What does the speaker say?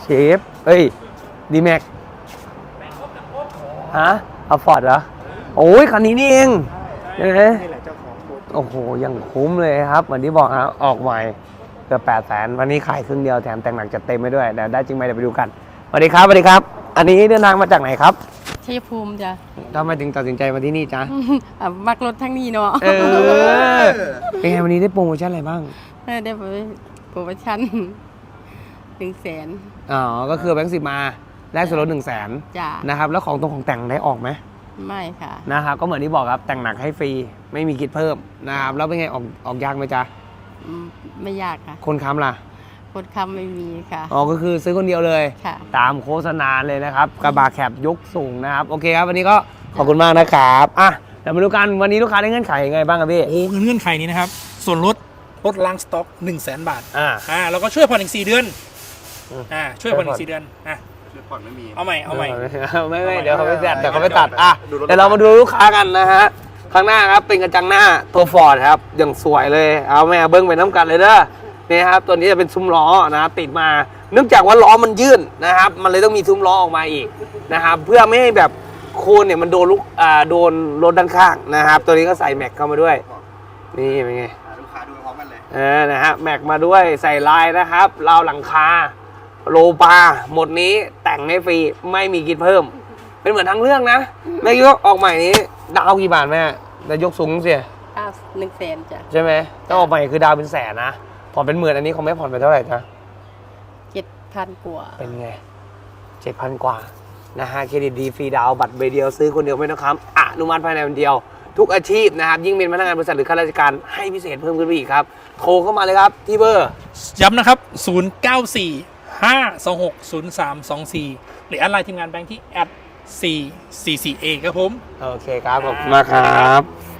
เชฟเอ้ยดีแม็กฮะเอาฟอร์ดเหรอโอ้ยคันนี้นี่เองใช่ไหมนี่แหละเจ้าของโคตรโอ้โหยังคุ้มเลยครับเหมือนที่บอกครับออกใหม่เกือบ800,000วันนี้ขายครึ่งเดียวแถมแต่งหนักจัดเต็มไปด้วยเดี๋ยวได้จริงไหมเดี๋ยวไปดูกันสวัสดีครับสวัสดีครับ อันนี้เดินทางมาจากไหนครับชัยภูมิจ้ะทำไมถึงตัดสินใจมาที่นี่จ๊ะมักรถทั้งนี้เนาะเป็นไงวันนี้ได้โปรโมชั่นอะไรบ้างได้โปรโมชั่น100,000 อ๋อก็คือแบงค์10มาแลกส่วนลด100,000 จ้ะนะครับแล้วของตรงของแต่งได้ออกไหมไม่ค่ะนะครับก็เหมือนที่บอกครับแต่งหนักให้ฟรีไม่มีคิดเพิ่มนะครับแล้วเป็นไงออกยากไหมจ๊ะไม่ยากค่ะคนค้ำล่ะคนคำไม่มีค่ะอ๋อก็คือซื้อคนเดียวเลยค่ะตามโฆษณาเลยนะครับกระบะแคบยกสูงนะครับโอเคครับวันนี้ก็ขอบคุณมากนะครับอ่ะเดี๋ยวมาดูกันวันนี้ลูกค้าได้เงื่อนไขยังไงบ้างครับพี่โอ้เงื่อนไขนี้นะครับ ส่วนลดล้างสต็อก 100,000 บาทแล้วก็ช่วยผ่อนอีก4 เดือนอืมช่วยผ่อนอีก4 เดือนช่วยผ่อนไม่มี เอาใหม่ไม่เดี๋ยวเขาไม่ตัดเดี๋ยวเขาไม่ตัดอ่ะเดี๋ยวเรามาดูลูกค้ากันนะฮะข้างหน้าครับเป็นกระจังหน้าตัวฟอร์ดครับอย่างสวยเลยเอาแม่เบิ้งไปน้ำกันเลยเด้อนี่ครับตัวนี้จะเป็นซุ้มล้อนะครับติดมาเนื่องจากว่าล้อมันยื่นนะครับมันเลยต้องมีซุ้มล้อออกมาอีกนะครับเพื่อไม่ให้แบบโคนเนี่ยมันโดนโดนรถด้านข้างนะครับตัวนี้ก็ใส่แม็กเข้ามาด้วยนี่เป็นไงลูกค้าดูพร้อมกันเลยนะฮะแม็กมาด้วยใส่ลายนะครับราวหลังคาโลปาหมดนี้แต่งให้ฟรีไม่มีคิดเพิ่มเป็นเหมือนทั้งเรื่องนะแม่ยกออกใหม่นี้ดาวกี่บาทแม่แต่ยกสูงเสีย 100,000จ้ะใช่ไหมถ้าออกใหม่คือดาวเป็นแสนนะผ่อนเป็นหมื่นอันนี้เขาไม่ผ่อนไปเท่าไหร่จ๊ะ 7,000 กว่าเป็นไง7,000 กว่านะฮะเครดิตดีฟรีดาวบัตรใบเดียวซื้อคนเดียวไม่ต้องค้ำอนุมัติภายในวันเดียวทุกอาชีพนะครับยิ่งเป็นพนักงานบริษัทหรือข้าราชการให้พิเศษเพิ่มขึ้นไปอีกครับโทรเข้ามาเลยครับที่เบอร์ย้ำนะครับ 094-526-0324 หรือแอดไลน์ทีมงานแบงค์ที่ @444A ครับผมโอเคครับขอบคุณมากครับ